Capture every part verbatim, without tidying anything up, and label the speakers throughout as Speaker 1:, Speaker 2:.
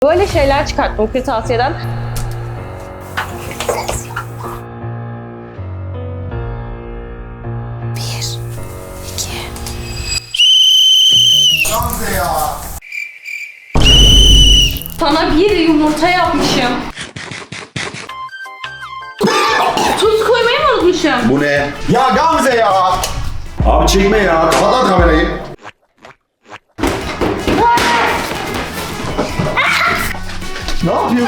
Speaker 1: Böyle şeyler çıkarttım kırtasiyeden. Bir, iki.
Speaker 2: Gamze ya.
Speaker 1: Sana bir yumurta yapmışım. Tuz koymayı mı unutmuşum?
Speaker 2: Bu ne? Ya Gamze ya. Abi çekme ya. Kapat kamerayı. Ne yapıyorsun?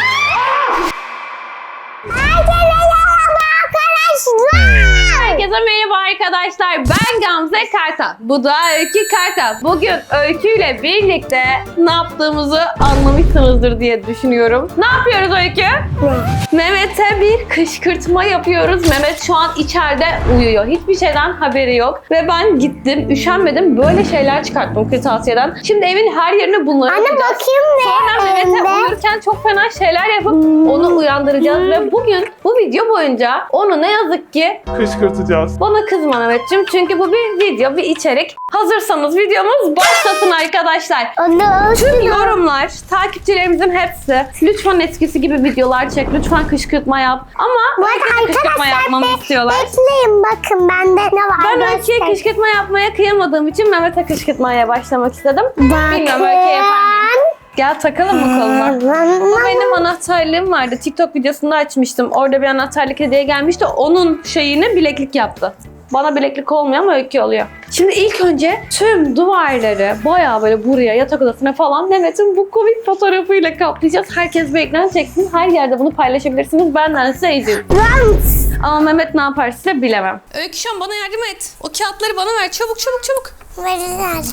Speaker 1: Herkese merhaba arkadaşlar. Ben Gamze Kartal. Bu da Öykü Kartal. Bugün Öykü ile birlikte ne yaptığımızı anlamışsınızdır diye düşünüyorum. Ne yapıyoruz Öykü? Mehmet'e bir kışkırtma yapıyoruz. Mehmet şu an içeride uyuyor. Hiçbir şeyden haberi yok. Ve ben gittim, üşenmedim. Böyle şeyler çıkarttım kırtasiyeden. Şimdi evin her yerine bunları
Speaker 3: Anne
Speaker 1: yapacağız.
Speaker 3: bakayım ne?
Speaker 1: Sonra Mehmet'e uyurken çok fena şeyler yapıp onu uyandıracağız. Ve bugün bu video boyunca onu ne yazık ki
Speaker 4: Kışkırtacağız.
Speaker 1: bana kızma Mehmetciğim, çünkü bu bir video, bir içerik. Hazırsanız videomuz başlasın arkadaşlar.
Speaker 3: Anne
Speaker 1: Tüm yorumlar, takipçilerimizin hepsi lütfen eskisi gibi videolar çek, lütfen kışkırtma yap. Ama
Speaker 3: Bu arada
Speaker 1: herkese kışkırtma
Speaker 3: arkadaşlar
Speaker 1: yapmamı
Speaker 3: be-
Speaker 1: istiyorlar.
Speaker 3: bekleyin bakın bende ne var.
Speaker 1: Ben Öykü'ye
Speaker 3: göster.
Speaker 1: kışkırtma yapmaya kıyamadığım için Mehmet'e kışkırtmaya başlamak istedim. Bilmiyorum Öykü'ye yapar mıyım? Gel takalım mı koluna? Bu benim anahtarlığım vardı. TikTok videosunda açmıştım. Orada bir anahtarlık hediye gelmişti. Onun şeyini bileklik yaptı. Bana bileklik olmuyor ama Öykü oluyor. Şimdi ilk önce tüm duvarları bayağı böyle buraya, yatak odasına falan Mehmet'in bu komik fotoğrafıyla kaplayacağız. Herkes bir ekran çeksin. Her yerde bunu paylaşabilirsiniz. Benden size izin. Ama Mehmet ne yapar size bilemem. Öykü şu an bana yardım et. O kağıtları bana ver. Çabuk çabuk çabuk.
Speaker 3: Verirler.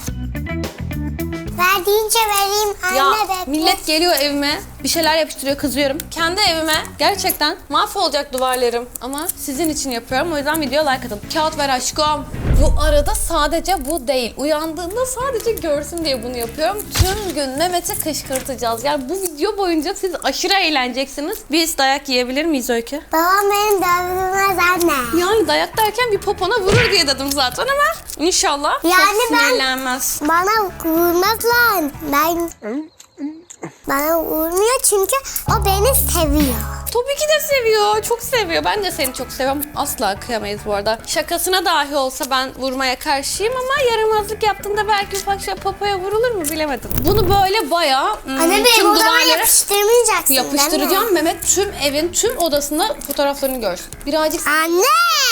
Speaker 3: Verdiğince vereyim anne
Speaker 1: Ya
Speaker 3: bekle.
Speaker 1: millet geliyor evime, bir şeyler yapıştırıyor, kızıyorum. Kendi evime gerçekten mahvolacak duvarlarım. Ama sizin için yapıyorum, o yüzden videoya like atın. Kağıt ver aşkım. Bu arada sadece bu değil. Uyandığında sadece görsün diye bunu yapıyorum. Tüm gün Mehmet'i kışkırtacağız. Yani bu video boyunca siz aşırı eğleneceksiniz. Biz dayak yiyebilir miyiz Öykü?
Speaker 3: Babam beni dövdürmez anne.
Speaker 1: Yani dayak derken bir popona vurur diye dedim zaten ama inşallah
Speaker 3: Yani
Speaker 1: çok
Speaker 3: ben-
Speaker 1: sinirlenmez.
Speaker 3: Bana vurmaz lan. Ben... Bana vurmuyor çünkü o beni seviyor.
Speaker 1: Tabii ki de seviyor. Çok seviyor. Ben de seni çok seviyorum. Asla kıyamayız bu arada. Şakasına dahi olsa ben vurmaya karşıyım ama yaramazlık yaptığında belki ufak şey popoya vurulur mu bilemedim. Bunu böyle bayağı hmm,
Speaker 3: Anne benim
Speaker 1: tüm
Speaker 3: odama
Speaker 1: duvarlara
Speaker 3: yapıştırmayacaksın değil mi?
Speaker 1: yapıştıracağım. Mehmet tüm evin tüm odasında fotoğraflarını görsün. Birazcık...
Speaker 3: Anne!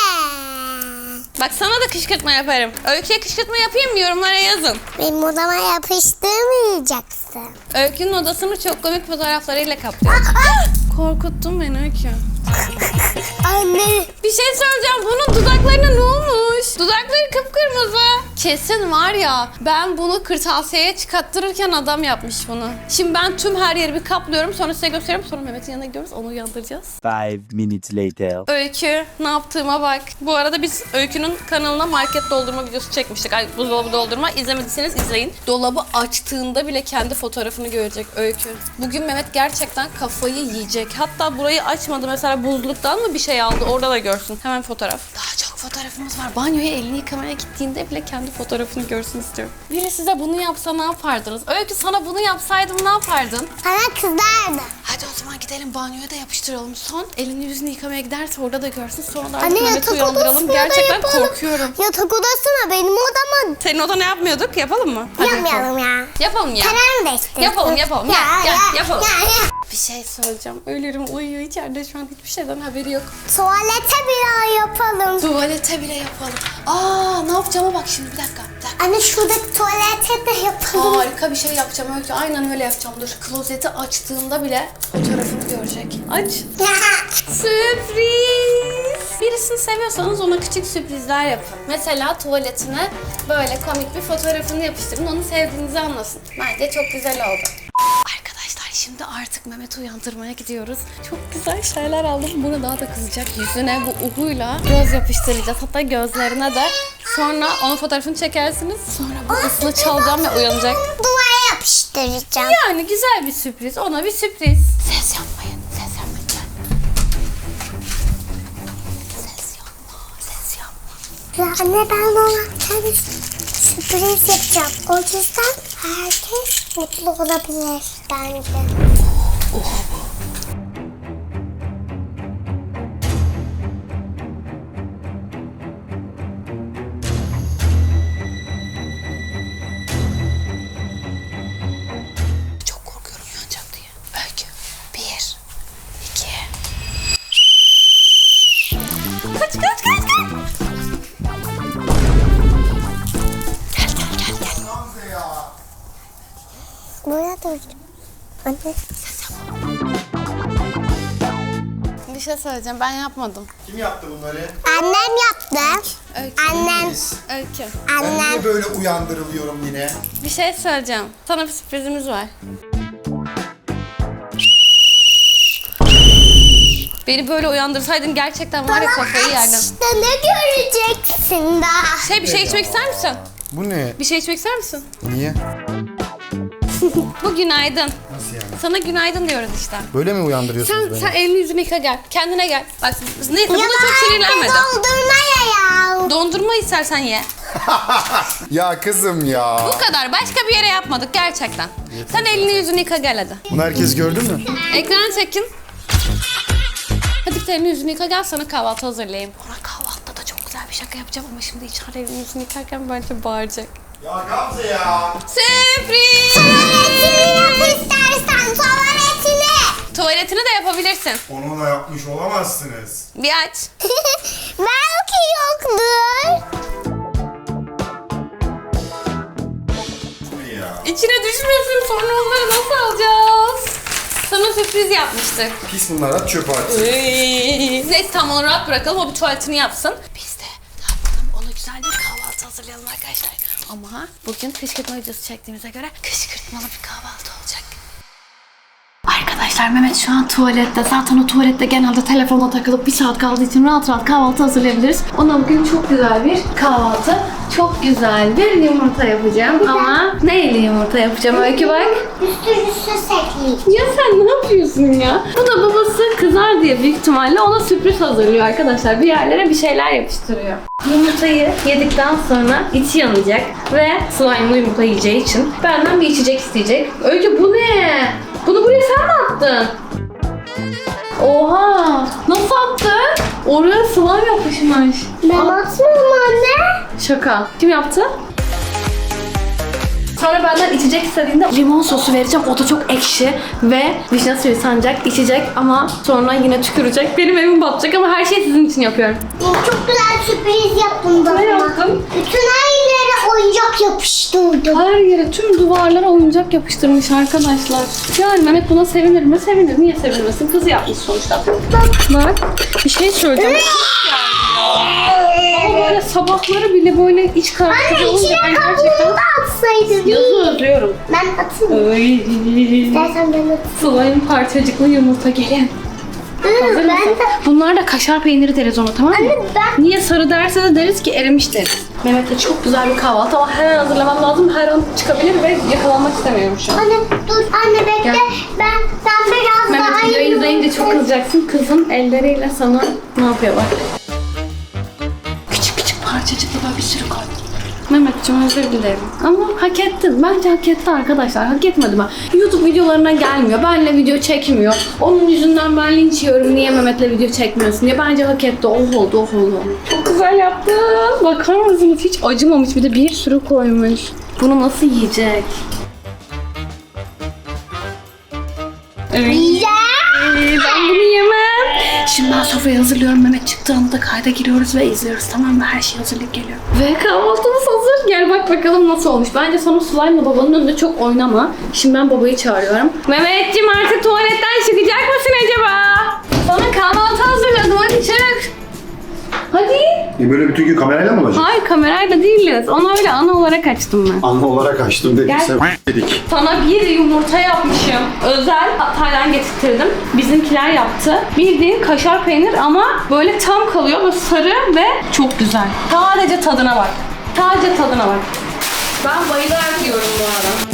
Speaker 1: Bak sana da kışkırtma yaparım. Öykü'ye kışkırtma yapayım mı? Yorumlara yazın.
Speaker 3: Benim odama yapıştırmayacaksın.
Speaker 1: Öykü'nün odasını çok komik fotoğraflarıyla kaplıyorum. Korkuttun beni Öykü.
Speaker 3: Anne!
Speaker 1: Bir şey söyleyeceğim. Bunun dudaklarına ne olmuş? Dudakları kıpkırmızı. Kesin var ya, ben bunu kırtasiyeye çıkarttırırken adam yapmış bunu. Şimdi ben tüm her yeri bir kaplıyorum. Sonra size gösteriyorum. Sonra Mehmet'in yanına gidiyoruz. Onu uyandıracağız.
Speaker 5: Five minutes later.
Speaker 1: Öykü, ne yaptığıma bak. Bu arada biz Öykü'nün kanalına market doldurma videosu çekmiştik. Ay, buzdolabı doldurma. İzlemediyseniz izleyin. Dolabı açtığında bile kendi fotoğrafını görecek Öykü. Bugün Mehmet gerçekten kafayı yiyecek. Hatta burayı açmadı. Mesela buzluktan mı bir şey aldı? Orada da görsün. Hemen fotoğraf. Daha çok fotoğrafımız var. Banyoya elini yıkamaya gittiğinde bile kendi fotoğrafını görsün istiyorum. Biri size bunu yapsa ne yapardınız? Öykü, sana bunu yapsaydım ne yapardın?
Speaker 3: Bana kızardı.
Speaker 1: Hadi o zaman gidelim banyoya da yapıştıralım. Son elini yüzünü yıkamaya giderse orada da görsün. Sonra da
Speaker 3: Anne
Speaker 1: artık Mehmet'i
Speaker 3: yatak
Speaker 1: uyandıralım.
Speaker 3: odasına da
Speaker 1: Gerçekten
Speaker 3: yapalım.
Speaker 1: korkuyorum.
Speaker 3: Yatak odasına benim odama
Speaker 1: Senin oda ne yapmıyorduk? Yapalım mı? Hadi
Speaker 3: yapmayalım ya.
Speaker 1: Yapalım ya.
Speaker 3: Karar mı değiştirdin?
Speaker 1: Yapalım, yapalım.
Speaker 3: Ya,
Speaker 1: Gel, gel,
Speaker 3: ya,
Speaker 1: yapalım.
Speaker 3: ya, ya.
Speaker 1: Bir şey söyleyeceğim. Ölürüm, uyuyor içeride şu an, hiçbir şeyden haberi yok.
Speaker 3: Tuvalete bir yapalım.
Speaker 1: Tuvalete bile yapalım. Aa, ne yapacağıma bak şimdi, bir dakika. Bir dakika.
Speaker 3: Anne şuradaki tuvalete de yapalım.
Speaker 1: Harika bir şey yapacağım Öykü. Aynen öyle yapacağım. Dur. Klozeti açtığında bile fotoğrafını görecek. Aç. Sürpriz. Birisini seviyorsanız ona küçük sürprizler yapın. Mesela tuvaletine böyle komik bir fotoğrafını yapıştırın. Onu sevdiğinizi anlasın. Bence çok güzel oldu. Arkadaşlar şimdi artık Mehmet'i uyandırmaya gidiyoruz. Çok güzel şeyler aldım. Bunu daha da kızacak. Yüzüne bu uhuyla göz yapıştıracağız. Hatta gözlerine de. Sonra onun fotoğrafını çekersiniz. Sonra bu ısını çalacağım ve uyanacak.
Speaker 3: Duvara yapıştıracağım.
Speaker 1: Yani güzel bir sürpriz. Ona bir sürpriz. Ses yapmayın. Ses yapmayın. Ses yapma. Ses yapma.
Speaker 3: Anne ben ona kendi sürpriz yapacağım. O yüzden herkes mutlu olabilir bence.
Speaker 1: Çok korkuyorum uyanacak diye. Öykü. Bir. iki. Kaç kaç kaç kaç. Gel gel gel gel.
Speaker 2: Gamze ya.
Speaker 3: Buraya dur. Anne.
Speaker 1: Bir şey söyleyeceğim. Ben yapmadım.
Speaker 2: Kim yaptı bunları?
Speaker 3: Annem yaptı.
Speaker 1: Öykü.
Speaker 3: Annem.
Speaker 1: Öykü.
Speaker 2: Ben
Speaker 3: Annem.
Speaker 2: niye böyle uyandırılıyorum yine?
Speaker 1: Bir şey söyleyeceğim. Sana bir sürprizimiz var. Beni böyle uyandırsaydın gerçekten var ya kafayı yerdim.
Speaker 3: İşte ne göreceksin daha?
Speaker 1: Şey bir şey içmek ister misin?
Speaker 2: Bu ne?
Speaker 1: Bir şey içmek ister misin?
Speaker 2: Niye?
Speaker 1: Bu günaydın.
Speaker 2: Nasıl yani?
Speaker 1: Sana günaydın diyoruz işte.
Speaker 2: Böyle mi uyandırıyorsunuz
Speaker 1: Sen,
Speaker 2: beni?
Speaker 1: sen elini yüzünü yıka gel. Kendine gel. Bak neyse buna
Speaker 3: Ya
Speaker 1: çok
Speaker 3: ben
Speaker 1: sinirlenmedim.
Speaker 3: doldurma ya ya.
Speaker 1: Dondurma istersen ye.
Speaker 2: Ya kızım ya.
Speaker 1: Bu kadar. Başka bir yere yapmadık gerçekten. Sen elini yüzünü yıka gel hadi.
Speaker 2: Bunu herkes gördü mü?
Speaker 1: Ekran çekin. Hadi bir de elini yüzünü yıka gel sana kahvaltı hazırlayayım. Ona kahvaltıda da çok güzel bir şaka yapacağım ama şimdi içeride elini yüzünü yıkarken bence bağıracak.
Speaker 2: Ya Gamze ya.
Speaker 1: Sürpriz!
Speaker 3: Tuvaletini yap istersen tuvaletini.
Speaker 1: Tuvaletini de yapabilirsin.
Speaker 2: Onu da yapmış olamazsınız.
Speaker 1: Bir aç.
Speaker 3: Belki yoktur.
Speaker 2: Bu ne ya?
Speaker 1: İçine düşmesin sonra onları nasıl alacağız? Sana sürpriz yapmıştık.
Speaker 2: Pis bunlar, at çöpe at.
Speaker 1: Neyse tamam onu rahat bırakalım o bir tuvaletini yapsın. Biz de ne yapalım ona güzel bir kahvaltı hazırlayalım arkadaşlar. Ama bugün kışkırtma videosu çektiğimize göre kışkırtmalı bir kahvaltı olacak. Arkadaşlar Mehmet şu an tuvalette. Zaten o tuvalette genelde telefona takılıp bir saat kaldığı için rahat rahat kahvaltı hazırlayabiliriz. Ona bugün çok güzel bir kahvaltı, çok güzel bir yumurta yapacağım. Ama neyle yumurta yapacağım Öykü bak.
Speaker 3: Üstü üstü sekleyeyim.
Speaker 1: Ya sen ne yapıyorsun ya? Bu da babası kızar diye büyük ihtimalle ona sürpriz hazırlıyor arkadaşlar. Bir yerlere bir şeyler yapıştırıyor. Yumurtayı yedikten sonra içi yanacak ve slime'lı yumurta yiyeceği için benden bir içecek isteyecek. Öykü bu ne? Bunu buraya sen mi attın? Oha! Nasıl attın? Oraya slime yapışmış.
Speaker 3: Ben atmıyorum anne.
Speaker 1: Şaka. Kim yaptı? Sonra benden içecek istediğinde limon sosu vereceğim. O da çok ekşi ve vişne suyu sanacak, içecek ama sonra yine tükürecek. Benim evim batacak ama her şeyi sizin için yapıyorum.
Speaker 3: Çok güzel sürpriz yaptım bana.
Speaker 1: Ne yaptın?
Speaker 3: Bütün her yere oyuncak yapıştırdım.
Speaker 1: Her yere, tüm duvarlara oyuncak yapıştırmış arkadaşlar. Yani Mehmet buna sevinir mi? Sevinir. Niye sevinmesin? Kızı yapmış sonuçta. Bak, bir şey söyleyeceğim. Ama böyle sabahları bile böyle iç karartıcı
Speaker 3: Anne
Speaker 1: olunca
Speaker 3: içine
Speaker 1: ben
Speaker 3: kabuğunu
Speaker 1: gerçekten
Speaker 3: da atsaydın.
Speaker 1: yazı özlüyorum.
Speaker 3: Ben atayım.
Speaker 1: Ay.
Speaker 3: İstersen ben atayım.
Speaker 1: Slime parçacıklı yumurta gelin. Hazır
Speaker 3: Hı, ben
Speaker 1: mısın?
Speaker 3: de.
Speaker 1: Bunlar da kaşar peyniri deriz ona, tamam mı?
Speaker 3: Anne ben.
Speaker 1: Niye sarı derse de deriz ki erimiş deriz. Mehmet'le çok güzel bir kahvaltı ama hemen hazırlamam lazım. Her an çıkabilir ve yakalanmak istemiyorum şu an.
Speaker 3: Anne dur. Anne bekle.
Speaker 1: Gel.
Speaker 3: Ben ben biraz
Speaker 1: Mehmet
Speaker 3: daha
Speaker 1: videoyu izleyince çok kızacaksın. Kızın elleriyle sana ne yapıyor bak. Küçük küçük parçacıklı böyle bir sürü koy. Mehmetciğim özür dilerim. Ama hak ettin. Bence hak etti arkadaşlar. Hak etmedi ben. YouTube videolarına gelmiyor. Benle video çekmiyor. Onun yüzünden ben linç yiyorum. Niye Mehmet'le video çekmiyorsun diye. Bence hak etti. Oh oldu, oh oldu. Çok güzel yaptın. Bakar mısınız? Hiç acımamış. Bir de bir sürü koymuş. Bunu nasıl yiyecek? Evet.
Speaker 3: Ya.
Speaker 1: Ben bunu yemem. Şimdi ben sofrayı hazırlıyorum. Mehmet çıktığında kayda giriyoruz ve izliyoruz. Tamam mı? Her şey hazırlık geliyor. Ve kahvaltımız hazır. Gel bak bakalım nasıl olmuş. Bence sonra slime'la babanın önünde çok oynama. Şimdi ben babayı çağırıyorum. Mehmetciğim artık tuvaletten çıkacak mısın acaba? Sana kahvaltı hazırladım. Hadi çık. Hadi.
Speaker 2: E böyle bütün gün kamerayla mı olacak?
Speaker 1: Hayır kamerayla değiliz. Onu öyle ana olarak açtım ben.
Speaker 2: Anne olarak açtım dedik.
Speaker 1: Gel.
Speaker 2: Sen dedik.
Speaker 1: Sana bir yumurta yapmışım. Özel Hatay'dan getirttirdim. Bizimkiler yaptı. Bildiğin kaşar peynir ama böyle tam kalıyor. Böyle sarı ve çok güzel. Sadece tadına bak. Sadece tadına bak. Ben bayılarak yiyorum bu arada.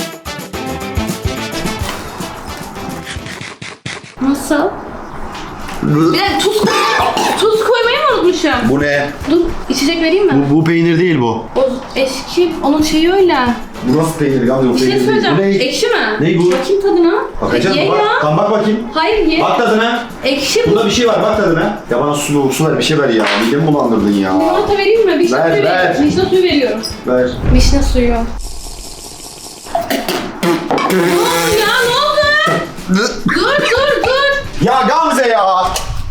Speaker 1: Nasıl? Bir de tuz koymayı, tuz koymayı mı unutmuşum?
Speaker 2: Bu ne?
Speaker 1: Dur içecek vereyim mi?
Speaker 2: Bu, bu peynir değil bu.
Speaker 1: O eski, onun şeyi öyle.
Speaker 2: Bu nasıl peynir Gamze? O
Speaker 1: Bir şey
Speaker 2: peynir değil.
Speaker 1: söyleyeceğim.
Speaker 2: Bu ne?
Speaker 1: Ekşi mi?
Speaker 2: Ne bu?
Speaker 1: Bakayım tadına.
Speaker 2: Bakacağız
Speaker 1: Ye
Speaker 2: mı?
Speaker 1: ya.
Speaker 2: Bak, tamam bak bakayım.
Speaker 1: Hayır ye.
Speaker 2: Bak tadına.
Speaker 1: Ekşi bu.
Speaker 2: Bunda bir şey var bak tadına. Ya bana su, su ver bir şey ver ya. Midemi bulandırdın ya.
Speaker 1: Limonata vereyim mi? Vişne
Speaker 2: Ver,
Speaker 1: suyu
Speaker 2: ver.
Speaker 1: veriyorum. Vişne suyu veriyorum.
Speaker 2: Ver.
Speaker 1: Vişne suyu. ya ne oldu? Dur dur dur.
Speaker 2: Ya Gamze ya.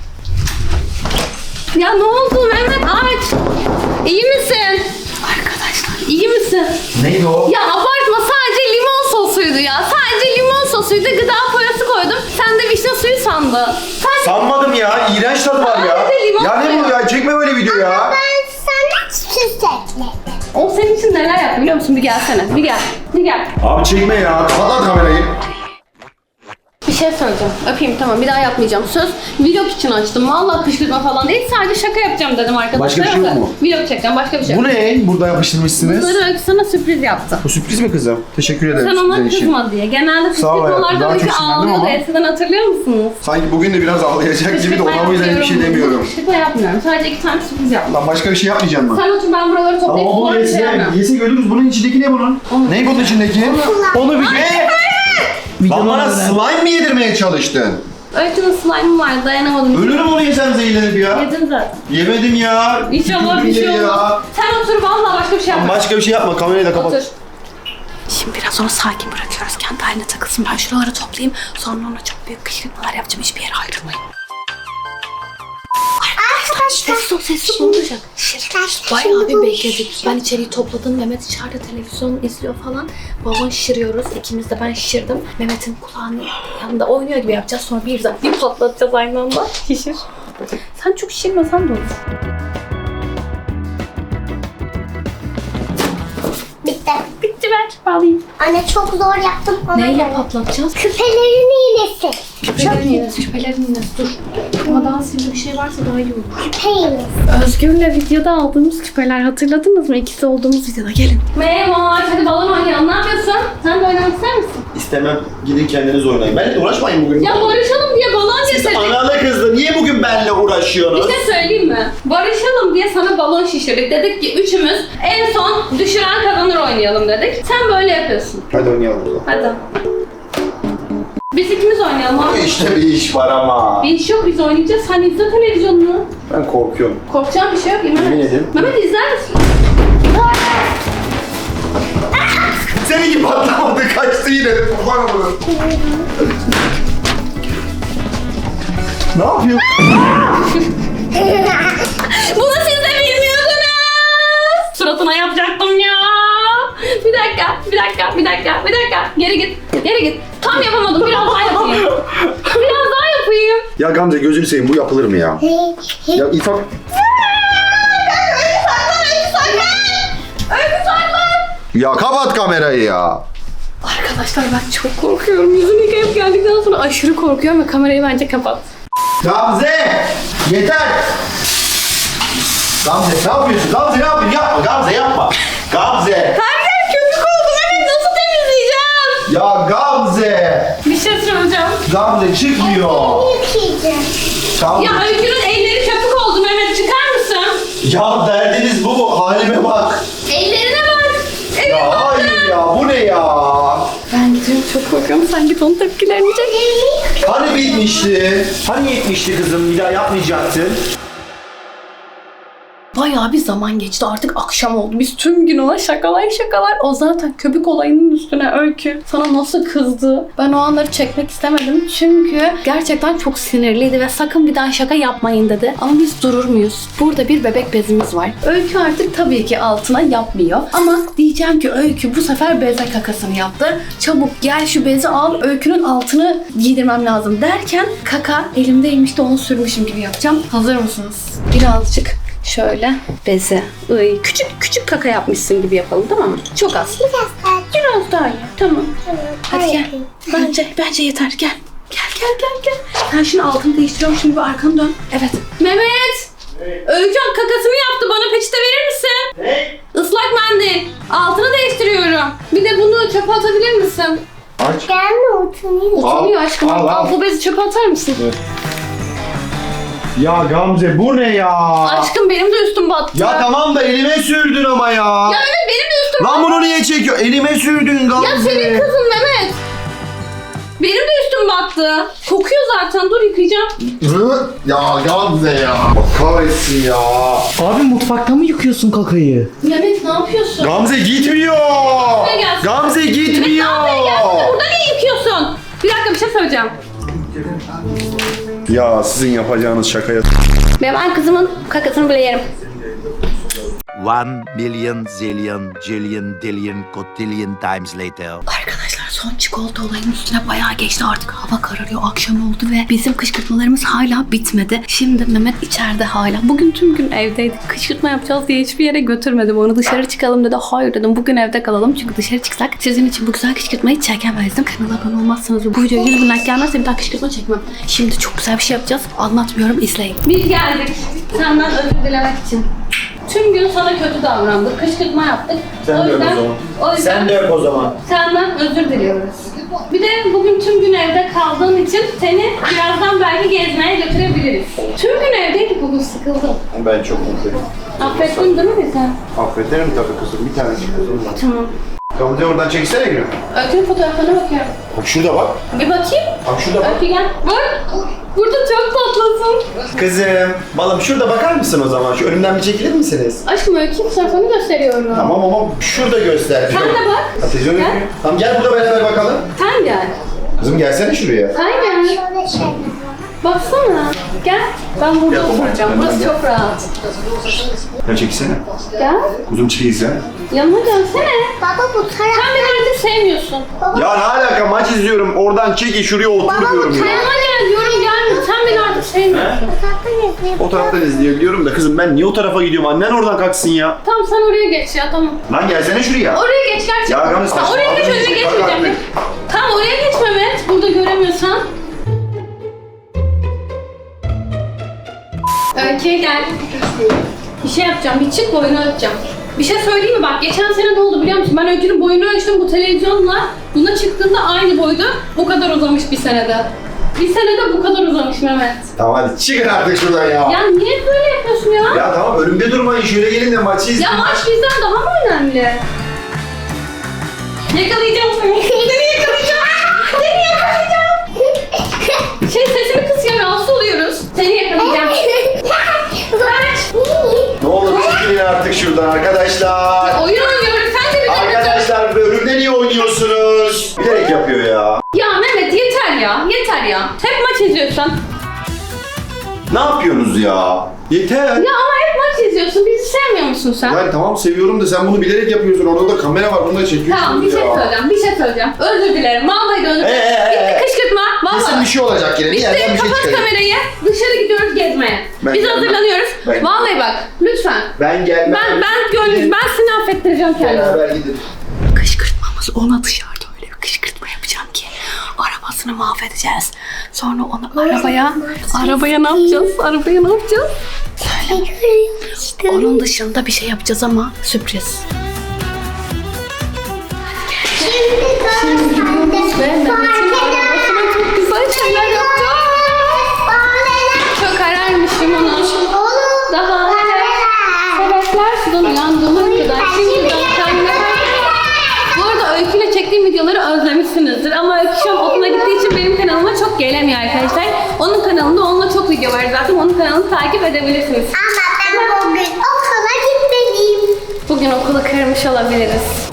Speaker 1: Ya ne oldu Mehmet aç. İyi misin? Arkadaşlar iyi misin?
Speaker 2: Neydi o?
Speaker 1: Ya abartma sadece limon sosuydu ya. Sadece limon sosuydu. Gıda boyası koydum. Sen de vişne suyu sandın. Sadece...
Speaker 2: Sanmadım ya. İğrenç tadı var ya.
Speaker 1: Sadece limon
Speaker 2: Ya ne
Speaker 1: suyu.
Speaker 2: bu ya? Çekme böyle video ya.
Speaker 3: Ben sana süs ekledim.
Speaker 1: O senin için neler yaptı biliyor musun? Bir gelsene. Bir gel. Bir gel.
Speaker 2: Abi çekme ya. Kapat kamerayı.
Speaker 1: Bir şey söyleyeceğim. Öpeyim tamam. Bir daha yapmayacağım. Söz vlog için açtım. Vallahi kışkırtma falan değil. Sadece şaka yapacağım dedim arkadaşlar.
Speaker 2: Başka bir şey yok mu?
Speaker 1: Vlog çekeceğim. Başka bir şey yok.
Speaker 2: Bu ne? Burada yapıştırmışsınız.
Speaker 1: Bunları Öykü sana sürpriz yaptı.
Speaker 2: Bu sürpriz mi kızım? Teşekkür ederim.
Speaker 1: Sen ona
Speaker 2: sizin için.
Speaker 1: kızma diye. Genelde
Speaker 2: Sağ ol hayatım.
Speaker 1: kışkırtmalarda
Speaker 2: Daha
Speaker 1: Öykü
Speaker 2: çok sinirlendim
Speaker 1: ağlıyordu.
Speaker 2: ama.
Speaker 1: Eskiden hatırlıyor musunuz?
Speaker 2: Sanki bugün de biraz ağlayacak gibi de
Speaker 1: Kışkırtma
Speaker 2: ona o yüzden bir şey
Speaker 1: yapıyorum.
Speaker 2: demiyorum.
Speaker 1: Kışkırtma yapmıyorum. Sadece iki tane sürpriz yaptım.
Speaker 2: Lan başka bir şey yapmayacağım mı?
Speaker 1: Sen otur ben buraları toplayıp
Speaker 2: Ama bunu
Speaker 1: sonra bir şey
Speaker 2: yese,
Speaker 1: yapmıyorum.
Speaker 2: yese görürüz. Bunun içindeki ne bunun?
Speaker 1: Onu-
Speaker 2: Ne bunun içindeki? Onu bir ne? Lan bana slime mi yedirmeye çalıştın?
Speaker 1: Öykü'nün slime'ı var dayanamadım.
Speaker 2: Ölürüm onu yesem zehirlenip ya.
Speaker 1: Yedin zaten.
Speaker 2: Yemedim ya.
Speaker 1: İnşallah bir şey
Speaker 2: Ya.
Speaker 1: olmaz. Sen otur vallahi başka bir şey
Speaker 2: Lan
Speaker 1: yapma.
Speaker 2: başka bir şey yapma. Kamerayı da kapat.
Speaker 1: Otur.
Speaker 4: Şimdi biraz onu sakin bırakıyoruz. Kendi haline takılsın. Ben şuraları toplayayım. Sonra ona çok büyük kışkırtmalar yapacağım. Hiçbir yere ayrılmayın.
Speaker 3: Arkadaşlar.
Speaker 4: Sessiz ol, sessiz ol. Olacak. Bayağı bir bekledik. Ben içeriği topladım. Mehmet içeride televizyon izliyor falan. Balon şişiriyoruz. İkimiz de ben şişirdim. Mehmet'in kulağının yanında oynuyor gibi yapacağız. Sonra bir, bir patlatacağız aynı anda. Şişir. Sen çok şişirmesen de olur.
Speaker 3: Bitti.
Speaker 4: Bitti ver. Bağlayayım.
Speaker 3: Anne çok zor yaptım. Ona
Speaker 4: Neyle
Speaker 3: göre.
Speaker 4: patlatacağız?
Speaker 3: Küpelerin iğnesi.
Speaker 4: Küpelerin iğnesi. Küpelerin iğnesi. Dur. Ama daha sivri bir şey varsa daha iyi olur.
Speaker 3: Küpe iğnesi.
Speaker 4: Özgür'le videoda aldığımız küpeler hatırladınız mı? İkisi olduğumuz videoda. Gelin.
Speaker 1: Merhaba, hadi balon oynayalım. Ne yapıyorsun? Sen de oynamak ister misin?
Speaker 2: İstemem. Gidin kendiniz oynayın. Benimle uğraşmayın bugün.
Speaker 1: Ya barışalım diye balon getirdik.
Speaker 2: Analı kızdı. Niye bugün benimle uğraşıyorsunuz?
Speaker 1: Bir şey söyleyeyim mi? Barışalım diye sana balon şişirdik. Dedik ki üçümüz en son düşüren kazanır oynayalım dedik. Sen böyle yapıyorsun.
Speaker 2: Hadi oynayalım o zaman.
Speaker 1: Hadi. Biz ikimiz oynayalım
Speaker 2: Bu
Speaker 1: abi.
Speaker 2: işte bir iş var ama.
Speaker 1: Bir iş yok biz oynayacağız. Sen izle televizyonunu.
Speaker 2: Ben korkuyorum.
Speaker 1: Korkacağım bir şey yok. Mehmet.
Speaker 2: Yemin ederim.
Speaker 1: Mehmet izler misin?
Speaker 2: Seninki patlamadı. Kaçtı yine. Kurban olurum. Ne yapıyorsun?
Speaker 1: Bunu siz de bilmiyordunuz. Suratına yapacaktım ya. Bir dakika, bir dakika, bir dakika, bir dakika. Geri git, geri git. Tam yapamadım. Biraz daha yapayım. Biraz daha yapayım.
Speaker 2: Ya Gamze gözünü seveyim. Bu yapılır mı ya? Ya İfak...
Speaker 1: Öykü saklan.
Speaker 2: Ya kapat kamerayı ya.
Speaker 4: Arkadaşlar ben çok korkuyorum. Yüzünü yıkayıp geldikten sonra aşırı korkuyorum ve kamerayı bence kapat.
Speaker 2: Gamze! Yeter! Gamze ne yapıyorsun? Gamze ne yapıyorsun? Yapma Gamze yapma. Gamze!
Speaker 1: Her yer köpük oldu. Mehmet nasıl temizleyeceğim?
Speaker 2: Ya Gamze!
Speaker 1: Bir şey söyleyeceğim.
Speaker 2: Gamze çıkmıyor.
Speaker 3: Yıkayacağım.
Speaker 2: Gamze.
Speaker 1: Ya Öykü'nün elleri köpük oldu Mehmet. Çıkar mısın?
Speaker 2: Ya derdiniz bu mu? Halime bak.
Speaker 1: Ellerine bak. Eline
Speaker 2: Ya
Speaker 1: bak.
Speaker 2: hayır ya bu ne ya?
Speaker 4: Ben gidiyorum çok korkuyorum. Sen git onun tepkilerini çek.
Speaker 2: Hani bitmişti? Hani yetmişti kızım? Bir daha yapmayacaktın.
Speaker 4: Bayağı bir zaman geçti. Artık akşam oldu. Biz tüm gün ona şakalar şakalar. O zaten köpük olayının üstüne Öykü sana nasıl kızdı. Ben o anları çekmek istemedim. Çünkü gerçekten çok sinirliydi ve sakın bir daha şaka yapmayın dedi. Ama biz durur muyuz? Burada bir bebek bezimiz var. Öykü artık tabii ki altına yapmıyor. Ama diyeceğim ki Öykü bu sefer beze kakasını yaptı. Çabuk gel şu bezi al. Öykünün altını giydirmem lazım derken kaka elimdeymiş de onu sürmüşüm gibi yapacağım. Hazır mısınız? Birazcık şöyle beze. Iy, küçük küçük kaka yapmışsın gibi yapalım tamam mı? Çok az.
Speaker 3: Biraz daha.
Speaker 4: Biraz daha iyi. Tamam. Hadi gel.
Speaker 3: yapayım.
Speaker 4: Bence bence yeter. Gel. Gel gel gel gel. Sen şimdi altını değiştiriyorum. Şimdi bir arkanı dön. Evet.
Speaker 1: Mehmet. Öykü kakasını yaptı. Bana peçete verir misin?
Speaker 2: Ne?
Speaker 1: Islak mendil. Altını değiştiriyorum. Bir de bunu çöpe atabilir misin?
Speaker 2: Aç.
Speaker 3: Gelme oturayım.
Speaker 1: Utanıyor aşkım.
Speaker 2: al,
Speaker 1: Al,
Speaker 2: al.
Speaker 1: bu bezi çöpe atar mısın?
Speaker 2: Ya Gamze bu ne ya?
Speaker 1: Aşkım benim de üstüm battı.
Speaker 2: Ya tamam da elime sürdün ama ya.
Speaker 1: Ya evet benim de üstüm
Speaker 2: Lan bunu niye çekiyor? Elime sürdün Gamze.
Speaker 1: Ya senin kızın Mehmet. Benim de üstüm battı. Kokuyor zaten. Dur yıkayacağım.
Speaker 2: Hı? Ya Gamze ya. Allah kahretsin ya.
Speaker 6: Abi mutfakta mı yıkıyorsun kakayı?
Speaker 1: Mehmet ne yapıyorsun?
Speaker 2: Gamze gitmiyor.
Speaker 1: Buraya gelsin.
Speaker 2: Gamze
Speaker 1: Mehmet
Speaker 2: gitmiyor.
Speaker 1: ne yapıyorsun? Gelsene. Burada niye yıkıyorsun? Bir dakika bir şey söyleyeceğim.
Speaker 2: Ya sizin yapacağınız şakaya.
Speaker 1: Ben kızımın kakasını bile yerim.
Speaker 5: One million zillion jillion dillion cotillion times later.
Speaker 4: Arkadaşlar son çikolata olayının üstüne bayağı geçti, artık hava kararıyor, akşam oldu ve bizim kışkırtmalarımız hala bitmedi. Şimdi Mehmet içeride hala. Bugün tüm gün evdeydik. Kışkırtma yapacağız diye hiçbir yere götürmedim onu. Dışarı çıkalım dedi. Hayır dedim, bugün evde kalalım. Çünkü dışarı çıksak sizin için bu güzel kışkırtmayı çekemezdim. Kanala abone olmazsanız bu videoya yüz bin like gelmezse bir daha kışkırtma çekmem. Şimdi çok güzel bir şey yapacağız. Anlatmıyorum, izleyin.
Speaker 1: Biz geldik senden özür dilemek için. Tüm gün sana kötü davrandık, kışkırtma yaptık.
Speaker 6: Sen
Speaker 1: o
Speaker 6: de öp
Speaker 1: yüzden,
Speaker 6: o zaman.
Speaker 1: o yüzden
Speaker 6: Sen de öp o zaman.
Speaker 1: senden özür diliyoruz. Bir de bugün tüm gün evde kaldığın için seni birazdan belki gezmeye götürebiliriz. Tüm gün evdeydik, bugün sıkıldım.
Speaker 2: Ben çok mutluyum.
Speaker 1: Affettin değil mi sen?
Speaker 2: Affederim tabii kızım. Bir tanecik kızım var.
Speaker 1: Tamam.
Speaker 2: Gamze oradan çeksene gülüm.
Speaker 1: Öykü'nün fotoğraflarına bakıyorum.
Speaker 2: Bak şurada bak.
Speaker 1: Bir bakayım.
Speaker 2: Bak şurada bak.
Speaker 1: Öykü gel. Bak. Burada çok tatlısın.
Speaker 2: Kızım. Balım şurada bakar mısın o zaman? Şu önümden bir çekilir misiniz?
Speaker 1: Aşkım Öykü'nün fotoğrafını gösteriyorum.
Speaker 2: Tamam ama şurada göster.
Speaker 1: Sen de bak.
Speaker 2: Ha, televizyon
Speaker 1: Gel.
Speaker 2: görüyor. Tamam gel burada beraber bakalım.
Speaker 1: Sen gel.
Speaker 2: Kızım gelsene şuraya.
Speaker 1: Sen gel.
Speaker 3: Şöyle şey.
Speaker 1: Baksana. Gel. Ben burada oturacağım. Burası çok rahat.
Speaker 2: Gel çekilsene.
Speaker 1: Gel.
Speaker 2: Kuzum çekilsene.
Speaker 1: Yanıma gelsene.
Speaker 3: Baba bu taraf.
Speaker 1: Sen beni artık sevmiyorsun.
Speaker 2: Ya ne alaka, maç izliyorum. Oradan çeki şuraya oturuyorum ya.
Speaker 1: Yanıma gel diyorum gelmiyor. Sen beni artık sevmiyorsun.
Speaker 3: Bu taraftan izleyelim.
Speaker 2: O taraftan izleyebiliyorum da kızım ben niye o tarafa gidiyorum? Annen oradan kalksın ya.
Speaker 1: Tamam sen oraya geç ya tamam.
Speaker 2: Lan gelsene şuraya.
Speaker 1: Oraya geç gerçekten.
Speaker 2: Ya Gamze,
Speaker 1: Tamam, oraya geç
Speaker 2: saçma.
Speaker 1: önüne
Speaker 2: Bak
Speaker 1: geçmeyeceğim.
Speaker 2: artık.
Speaker 1: Tamam oraya geç Mehmet. Burada göremiyorsan. Öykü'ye gel. Bir şey yapacağım. Bir çık boyunu ölçeceğim. Bir şey söyleyeyim mi? Bak geçen sene ne oldu biliyor musun? Ben Öykü'nün boyunu ölçtüm bu televizyonla. Buna çıktığında aynı boydu. Bu kadar uzamış bir senede. Bir senede bu kadar uzamış Mehmet.
Speaker 2: Tamam hadi çıkın artık şuradan ya.
Speaker 1: Ya niye böyle yapıyorsun ya? Ya,
Speaker 2: Ya tamam önümde durmayın, şöyle gelin de maçı izleyin.
Speaker 1: maç bizden daha mı önemli? Yakalayacağım seni. Seni yakalayacağım. Seni yakalayacağım. Şey sesini kıs ya, rahatsız oluyoruz. Seni yakalayacağım. Kaç.
Speaker 2: Ne olur çekilin artık şuradan arkadaşlar.
Speaker 1: Oyun oynuyoruz. Sen de bir de.
Speaker 2: Arkadaşlar önümde niye oynuyorsunuz? Bilerek yapıyor ya.
Speaker 1: Ya Mehmet yeter ya. Yeter ya. Hep maç izliyorsun.
Speaker 2: Ne yapıyorsunuz ya? Yeter.
Speaker 1: Ya ama hep maç izliyorsun. Bizi sevmiyor musun sen?
Speaker 2: Yani tamam seviyorum da sen bunu bilerek yapıyorsun. Orada da kamera var, bunu da çekiyorsun
Speaker 1: Tamam bir
Speaker 2: ya.
Speaker 1: şey söyleyeceğim. Bir şey söyleyeceğim. Özür dilerim. Vallahi de özür dilerim.
Speaker 2: Ee, ee,
Speaker 1: Bitti
Speaker 2: ee.
Speaker 1: kışkırtma.
Speaker 2: Kesin
Speaker 1: Vallahi.
Speaker 2: bir şey olacak yine. Bir
Speaker 1: Bitti.
Speaker 2: yerden bir şey
Speaker 1: Kapat
Speaker 2: çıkacak.
Speaker 1: kamerayı. Dışarı gidiyoruz gezmeye.
Speaker 2: Ben
Speaker 1: Biz
Speaker 2: gelmem.
Speaker 1: hazırlanıyoruz.
Speaker 2: Ben-
Speaker 1: Vallahi bak. Lütfen.
Speaker 2: Ben gelmem.
Speaker 1: Ben ben gönlüm. Ben seni affettireceğim kendimi.
Speaker 2: Beraber gidin.
Speaker 4: Kışkırtmamız, ona dışarıda öyle bir kışkırtma yapacağım ki arabasını mahvedeceğiz. Sonra onu arabaya, arabaya ne yapacağız? Arabaya ne yapacağız? Onun dışında bir şey yapacağız ama sürpriz.
Speaker 3: Şimdi gidiyoruz
Speaker 1: Ve Mehmet'in arabasına çok güzel şeyler yapacağız. Çok ararmışım onu. Daha sebepler sudan uyandığıma kadar şimdiden kendime. Bu arada Öykü'yle çektiğim videoları özlemişsinizdir ama Öykü şu an okula gittiği için benim kanalıma çok gelemiyor arkadaşlar. Onun kanalında onunla çok video var zaten, onun kanalını takip edebilirsiniz.
Speaker 3: Ama ben bugün okula gitmeliyim.
Speaker 1: Bugün okulu kırmış olabiliriz.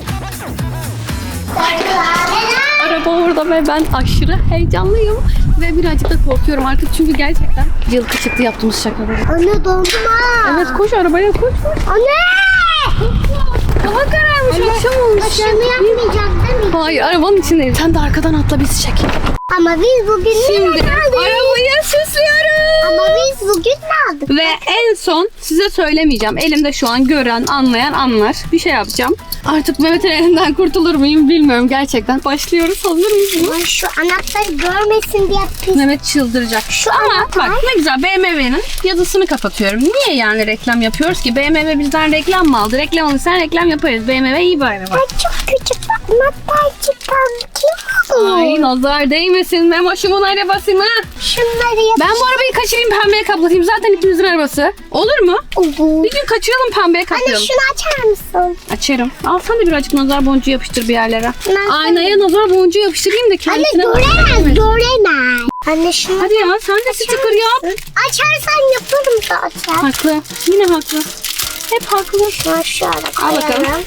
Speaker 1: Araba orada ve ben aşırı heyecanlıyım ve birazcık da korkuyorum artık çünkü gerçekten yılkı çıktı yaptığımız şakaları.
Speaker 3: Anne dondum ha.
Speaker 1: Evet koş arabaya koş koş.
Speaker 3: Anne.
Speaker 1: Hava kararmış, akşam olmuş.
Speaker 3: Başarımı yapmayacak değil mi?
Speaker 1: Hayır arabanın içindeyim.
Speaker 4: Sen de arkadan atla, bizi çek.
Speaker 3: Ama biz bugün
Speaker 1: Şimdi
Speaker 3: ne aldık?
Speaker 1: arabayı süslüyoruz.
Speaker 3: Ama biz bugün ne aldık?
Speaker 1: Ve en son size söylemeyeceğim. Elimde şu an gören, anlayan anlar. Bir şey yapacağım. Artık Mehmet'in elinden kurtulur muyum bilmiyorum gerçekten. Başlıyoruz. Hazır mıyız?
Speaker 3: Ay, şu anahtarı görmesin diye pis.
Speaker 1: Mehmet çıldıracak.
Speaker 3: Şu
Speaker 1: Ama
Speaker 3: anahtar.
Speaker 1: bak ne güzel, B M W'nin yazısını kapatıyorum. Niye yani reklam yapıyoruz ki? B M W bizden reklam mı aldı? Reklam alırsan reklam yaparız. B M W iyi bir araba.
Speaker 3: Ay çok küçük bak. Anahtar çıkan kim olur?
Speaker 4: Ay nazar değmesin Memoş'umun arabasına.
Speaker 3: Şunları yap.
Speaker 4: Ben bu arabayı kaçırayım pembeye kaplatayım. Zaten ikimizin arabası. Olur mu?
Speaker 3: Olur.
Speaker 4: Bir gün kaçıralım pembeye
Speaker 3: Anne
Speaker 4: kaplayalım.
Speaker 3: şunu açar mısın?
Speaker 4: Açarım. Al sen de birazcık nazar boncuğu yapıştır bir yerlere.
Speaker 3: Ben-
Speaker 4: Aynaya nazar boncuğu yapıştırayım da
Speaker 3: Anne
Speaker 4: kendisine...
Speaker 3: göremez göremez. Anne şunu
Speaker 4: Hadi ya sen de sticker yap.
Speaker 3: açarsan yaparım zaten.
Speaker 4: Haklı. Yine haklı. Hep haklı.
Speaker 3: Şunu şöyle
Speaker 4: Al bakalım.
Speaker 3: koyalım.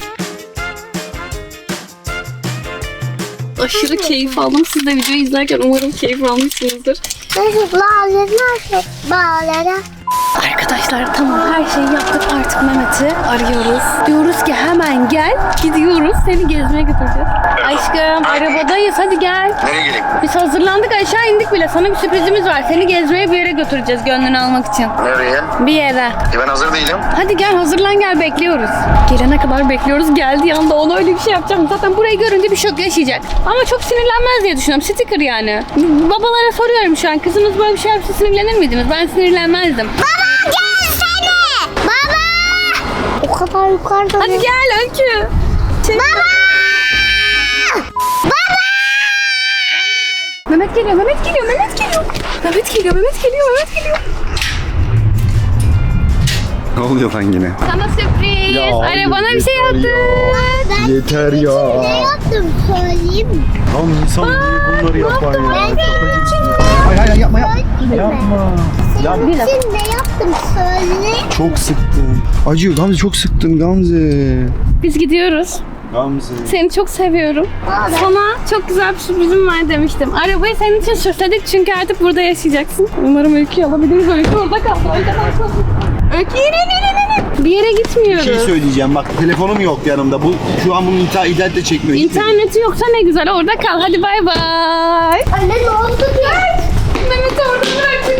Speaker 4: Aşırı keyif aldım. Siz de videoyu izlerken umarım keyif almışsınızdır.
Speaker 3: Bağlara, bağlara.
Speaker 4: Arkadaşlar tamam her şeyi yaptık artık Mehmet'i arıyoruz. Diyoruz ki hemen gel gidiyoruz seni gezmeye götüreceğiz. Aşkım arabadayız hadi gel.
Speaker 2: Nereye geleyim?
Speaker 4: Biz hazırlandık aşağı indik bile sana bir sürprizimiz var. Seni gezmeye bir yere götüreceğiz gönlünü almak için.
Speaker 2: Nereye?
Speaker 4: Bir yere.
Speaker 2: E ben hazır değilim.
Speaker 4: Hadi gel hazırlan gel bekliyoruz. Gelene kadar bekliyoruz geldiği anda ona öyle bir şey yapacağım. Zaten burayı görünce bir şok yaşayacak. Ama çok sinirlenmez diye düşünüyorum. Sticker yani. Babalara soruyorum şu an kızınız böyle bir şey yapsa sinirlenir miydiniz? Ben sinirlenmezdim.
Speaker 3: Baba gelsene. Baba. O kadar yukarıda.
Speaker 4: Hadi gel Öykü.
Speaker 3: Baba.
Speaker 4: Mehmet geliyor, Mehmet geliyor, Mehmet geliyor. Mehmet geliyor, Mehmet geliyor, Mehmet geliyor.
Speaker 2: Ne oluyor lan yine?
Speaker 4: Sana sürpriz. Arabana bir şey yaptım.
Speaker 3: Ben
Speaker 2: Yeter
Speaker 3: ne
Speaker 2: ya.
Speaker 3: yaptım söyleyeyim mi?
Speaker 2: Tam insan niye bunları yapar ya?
Speaker 3: Ben senin için ne
Speaker 2: Hayır hayır yapma yapma.
Speaker 3: yaptım?
Speaker 2: Yapma.
Speaker 3: Senin için ne yaptım söyle.
Speaker 2: Çok sıktın. Acıyor Gamze, çok sıktın Gamze.
Speaker 4: Biz gidiyoruz.
Speaker 2: Gamze.
Speaker 4: Seni çok seviyorum.
Speaker 3: Abi.
Speaker 4: Sana çok güzel bir sürprizim var demiştim. Arabayı senin için süsledik çünkü artık burada yaşayacaksın. Umarım Öykü'yü alabiliriz. Öykü orada kaldı. Arkadaşlar. Öykü yere yere yere. Bir yere gitmiyoruz.
Speaker 7: Bir şey söyleyeceğim bak, telefonum yok yanımda. Bu şu an bunun internet internet çekmiyor.
Speaker 4: İnterneti yoksa ne güzel orada kal. Hadi bay bay.
Speaker 3: Anne ne oldu ya?
Speaker 4: Mehmet'i orada bıraktık.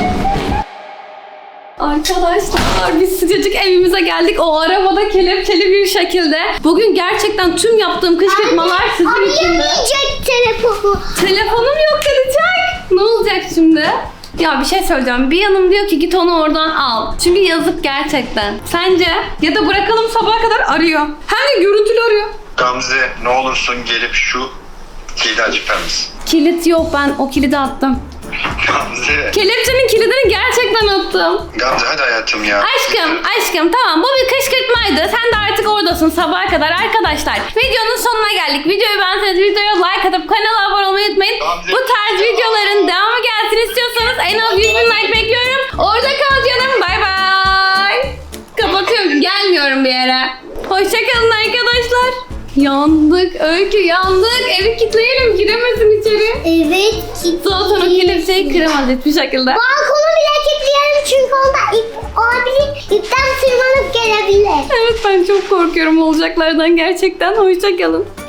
Speaker 4: Arkadaşlar biz sıcacık evimize geldik. O arabada kelepçeli bir şekilde. Bugün gerçekten tüm yaptığım kışkırtmalar sizin için de.
Speaker 3: Arayacak telefonu.
Speaker 4: Telefonum yok kalacak. Ne olacak şimdi? Ya bir şey söyleyeceğim. Bir yanım diyor ki git onu oradan al. Çünkü yazık gerçekten. Sence? Ya da bırakalım sabaha kadar arıyor. Hem de görüntülü arıyor.
Speaker 2: Gamze ne olursun gelip şu kilidi açar mısın?
Speaker 4: Kilit yok ben o kilidi attım.
Speaker 2: Gamze.
Speaker 4: Kelepçenin kilidini gerçekten attım.
Speaker 2: Gamze hadi hayatım ya.
Speaker 4: Aşkım, aşkım tamam bu bir kışkırtmaydı. Sen de artık oradasın sabaha kadar arkadaşlar. Videonun sonuna geldik. Videoyu beğenseniz videoya like atıp kanala abone olmayı unutmayın. Bu tarz videoların devamı gelsin istiyorsanız en az yüz bin like bekliyorum. Orada kal canım. Bay bay. Kapatıyorum. Gelmiyorum bir yere. Hoşçakalın arkadaşlar. Yandık. Öykü yandık. Evi kilitleyelim. Giremesin içeri.
Speaker 3: Evet.
Speaker 4: Zaten o kelepçeyi kıramaz hiçbir şekilde.
Speaker 3: Balkonu bile kilitleyelim çünkü onda ip olabilir. İpten tırmanıp gelebilir.
Speaker 4: Evet ben çok korkuyorum olacaklardan gerçekten. Hoşçakalın.